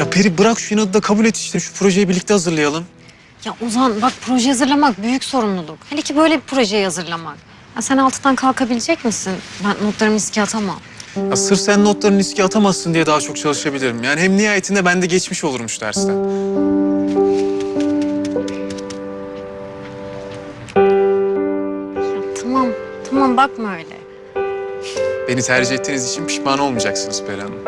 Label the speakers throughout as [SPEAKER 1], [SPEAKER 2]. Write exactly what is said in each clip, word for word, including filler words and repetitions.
[SPEAKER 1] Ya Peri bırak şu inadı da kabul et işte. Şu projeyi birlikte hazırlayalım.
[SPEAKER 2] Ya Ozan bak proje hazırlamak büyük sorumluluk. Hele ki böyle bir projeyi hazırlamak. Ya sen altından kalkabilecek misin? Ben notlarımı riske atamam.
[SPEAKER 1] Ya sırf sen notlarını riske atamazsın diye daha çok çalışabilirim. Yani hem nihayetinde ben de geçmiş olurmuş dersten.
[SPEAKER 2] Ya tamam, tamam bakma öyle.
[SPEAKER 1] Beni tercih ettiğiniz için pişman olmayacaksınız Peri Hanım.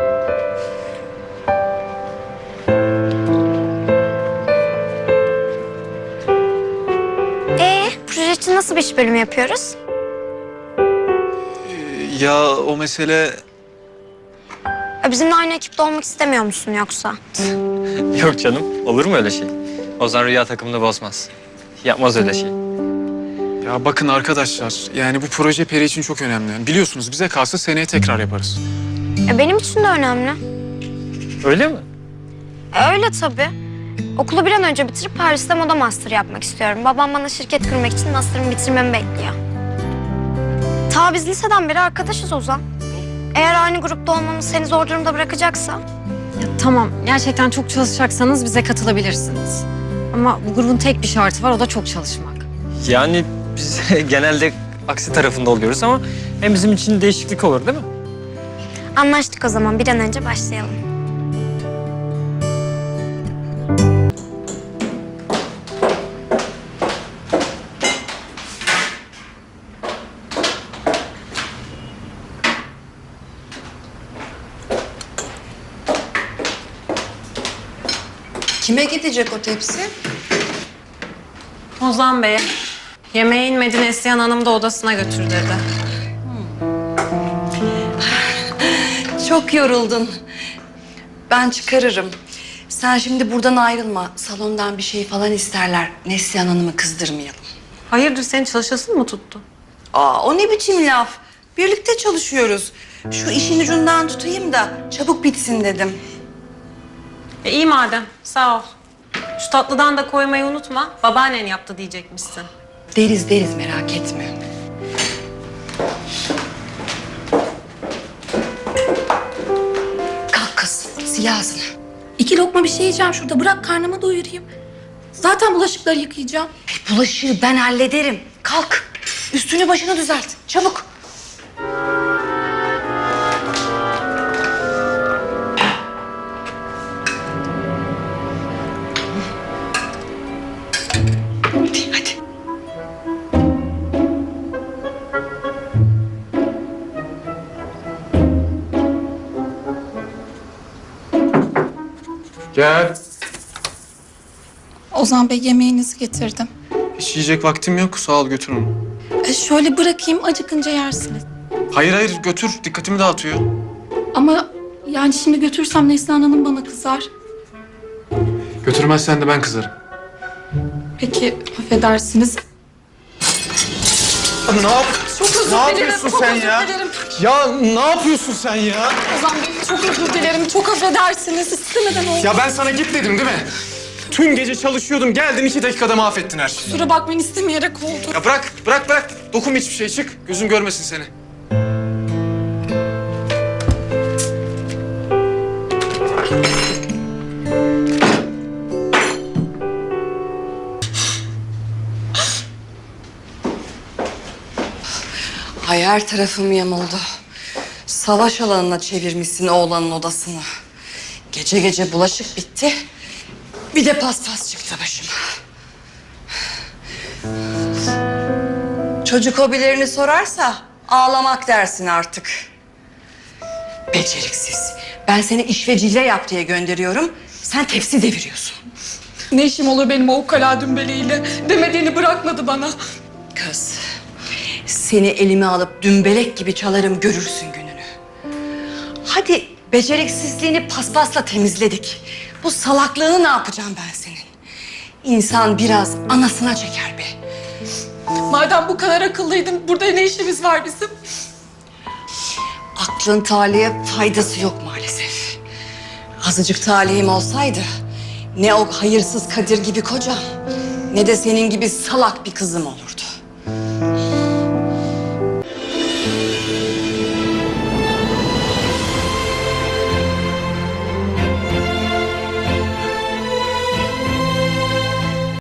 [SPEAKER 3] Ee, proje için nasıl bir iş bölümü yapıyoruz?
[SPEAKER 1] Ee, ya o mesele...
[SPEAKER 3] Ya bizimle aynı ekipte olmak istemiyor musun yoksa?
[SPEAKER 4] Yok canım, olur mu öyle şey? Ozan Rüya takımını bozmaz. Yapmaz öyle şey.
[SPEAKER 1] Ya bakın arkadaşlar, yani bu proje Peri için çok önemli. Biliyorsunuz bize kalsa seneye tekrar yaparız.
[SPEAKER 3] E, benim için de önemli.
[SPEAKER 4] Öyle mi?
[SPEAKER 3] E, öyle tabii. Okulu bir an önce bitirip Paris'te moda master yapmak istiyorum. Babam bana şirket kurmak için master'ımı bitirmemi bekliyor. Ta biz liseden beri arkadaşız Ozan. Eğer aynı grupta olmamız seni zor durumda bırakacaksa...
[SPEAKER 2] Ya tamam, gerçekten çok çalışacaksanız bize katılabilirsiniz. Ama bu grubun tek bir şartı var, o da çok çalışmak.
[SPEAKER 4] Yani biz genelde aksi tarafında oluyoruz ama hem bizim için değişiklik olur değil mi?
[SPEAKER 3] Anlaştık o zaman. Bir an önce başlayalım.
[SPEAKER 5] Kime gidecek o tepsi?
[SPEAKER 2] Ozan Bey, yemeğe inmedi Neslihan Hanım da odasına götür dedi.
[SPEAKER 5] Çok yoruldun. Ben çıkarırım. Sen şimdi buradan ayrılma. Salondan bir şey falan isterler. Neslihan Hanım'ı kızdırmayalım.
[SPEAKER 2] Hayırdır, senin çalışasın mı tuttu?
[SPEAKER 5] Aa, o ne biçim laf? Birlikte çalışıyoruz. Şu işin ucundan tutayım da çabuk bitsin dedim.
[SPEAKER 2] E, iyi madem, sağ ol. Şu tatlıdan da koymayı unutma, babaannen yaptı diyecekmişsin.
[SPEAKER 5] Deriz deriz, merak etme. Kalk kız, sil ağzını.
[SPEAKER 6] İki lokma bir şey yiyeceğim şurada. Bırak karnımı doyurayım. Zaten bulaşıkları yıkayacağım.
[SPEAKER 5] E, bulaşığı ben hallederim. Kalk, üstünü başını düzelt. Çabuk. Hadi.
[SPEAKER 1] Gel.
[SPEAKER 6] Ozan Bey, yemeğinizi getirdim.
[SPEAKER 1] Hiç yiyecek vaktim yok. Sağ ol, götür onu.
[SPEAKER 6] E, şöyle bırakayım, acıkınca yersiniz.
[SPEAKER 1] Hayır hayır, götür. Dikkatimi dağıtıyor.
[SPEAKER 6] Ama yani şimdi götürsem Neslihan Hanım bana kızar.
[SPEAKER 1] Götürmezsen de ben kızarım.
[SPEAKER 6] Peki, affedersiniz.
[SPEAKER 1] Ne yap?
[SPEAKER 6] Çok özür
[SPEAKER 1] Ne
[SPEAKER 6] dilerim,
[SPEAKER 1] yapıyorsun
[SPEAKER 6] çok
[SPEAKER 1] sen
[SPEAKER 6] özür
[SPEAKER 1] ya?
[SPEAKER 6] dilerim.
[SPEAKER 1] Ya ne yapıyorsun sen ya?
[SPEAKER 6] Ozan Bey, çok özür dilerim, çok affedersiniz. İstemeden oldu.
[SPEAKER 1] Ya ben sana git dedim değil mi? Tüm gece çalışıyordum. Geldin iki dakikada mahvettin her şeyi.
[SPEAKER 6] Kusura bakmayın, istemeyerek oldu.
[SPEAKER 1] Ya bırak, bırak, bırak. Dokunma hiçbir şey. Çık. Gözüm görmesin seni.
[SPEAKER 5] Ay, her tarafım yamuldu. Savaş alanına çevirmişsin oğlanın odasını. Gece gece bulaşık bitti. Bir de paspas çıktı başıma. Çocuk hobilerini sorarsa ağlamak dersin artık. Beceriksiz. Ben seni işvecille yap diye gönderiyorum. Sen tepsi deviriyorsun.
[SPEAKER 6] Ne işim olur benim o ukala dümbeleğiyle? Demediğini bırakmadı bana.
[SPEAKER 5] Kız, seni elime alıp dümbelek gibi çalarım, görürsün gününü. Hadi beceriksizliğini paspasla temizledik. Bu salaklığını ne yapacağım ben senin? İnsan biraz anasına çeker be.
[SPEAKER 6] Madem bu kadar akıllıydın, burada ne işimiz var bizim?
[SPEAKER 5] Aklın talihe faydası yok maalesef. Azıcık talihim olsaydı ne o hayırsız Kadir gibi kocam ne de senin gibi salak bir kızım olur.